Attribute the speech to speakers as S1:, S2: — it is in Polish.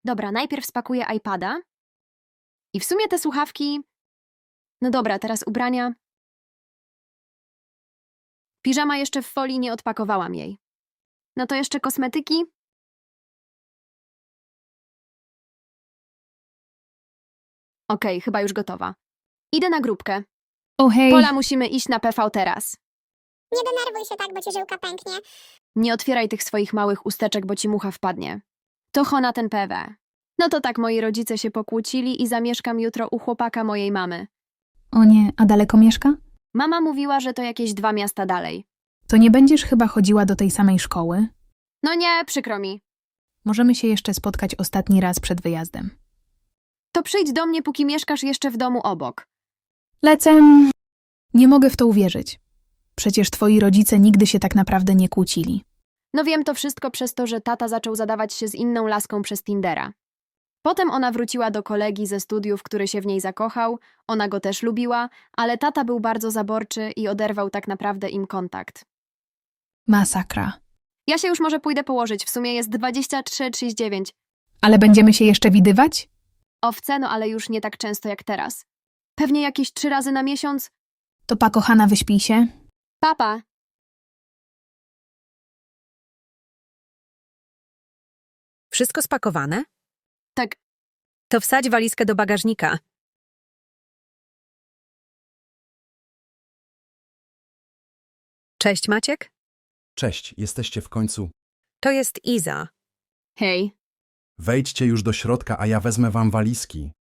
S1: Dobra, najpierw spakuję iPada. I w sumie te słuchawki... No dobra, teraz ubrania. Piżama jeszcze w folii, nie odpakowałam jej. No to jeszcze kosmetyki. Okej, chyba już gotowa. Idę na grupkę.
S2: O hej,
S1: Pola, musimy iść na PV teraz.
S3: Nie denerwuj się tak, bo ci żyłka pęknie.
S1: Nie otwieraj tych swoich małych usteczek, bo ci mucha wpadnie. To chona ten PW. No to tak, moi rodzice się pokłócili i zamieszkam jutro u chłopaka mojej mamy.
S2: o nie, a daleko mieszka?
S1: Mama mówiła, że to jakieś 2 miasta dalej.
S2: To nie będziesz chyba chodziła do tej samej szkoły?
S1: No nie, przykro mi.
S2: Możemy się jeszcze spotkać ostatni raz przed wyjazdem.
S1: To przyjdź do mnie, póki mieszkasz jeszcze w domu obok.
S2: Lecę. Nie mogę w to uwierzyć. Przecież twoi rodzice nigdy się tak naprawdę nie kłócili.
S1: No wiem to wszystko przez to, że tata zaczął zadawać się z inną laską przez Tindera. Potem ona wróciła do kolegi ze studiów, który się w niej zakochał, ona go też lubiła, ale tata był bardzo zaborczy i oderwał tak naprawdę im kontakt.
S2: Masakra.
S1: Ja się już może pójdę położyć, w sumie jest 23:39.
S2: Ale będziemy się jeszcze widywać?
S1: Owce, no ale już nie tak często jak teraz. Pewnie jakieś 3 razy na miesiąc.
S2: To pa, kochana, wyśpij się.
S1: Papa!
S4: Wszystko spakowane?
S1: Tak,
S4: To wsadź walizkę do bagażnika. Cześć, Maciek.
S5: Cześć, jesteście w końcu.
S4: To jest Iza.
S1: hej.
S5: Wejdźcie już do środka, a ja wezmę wam walizki.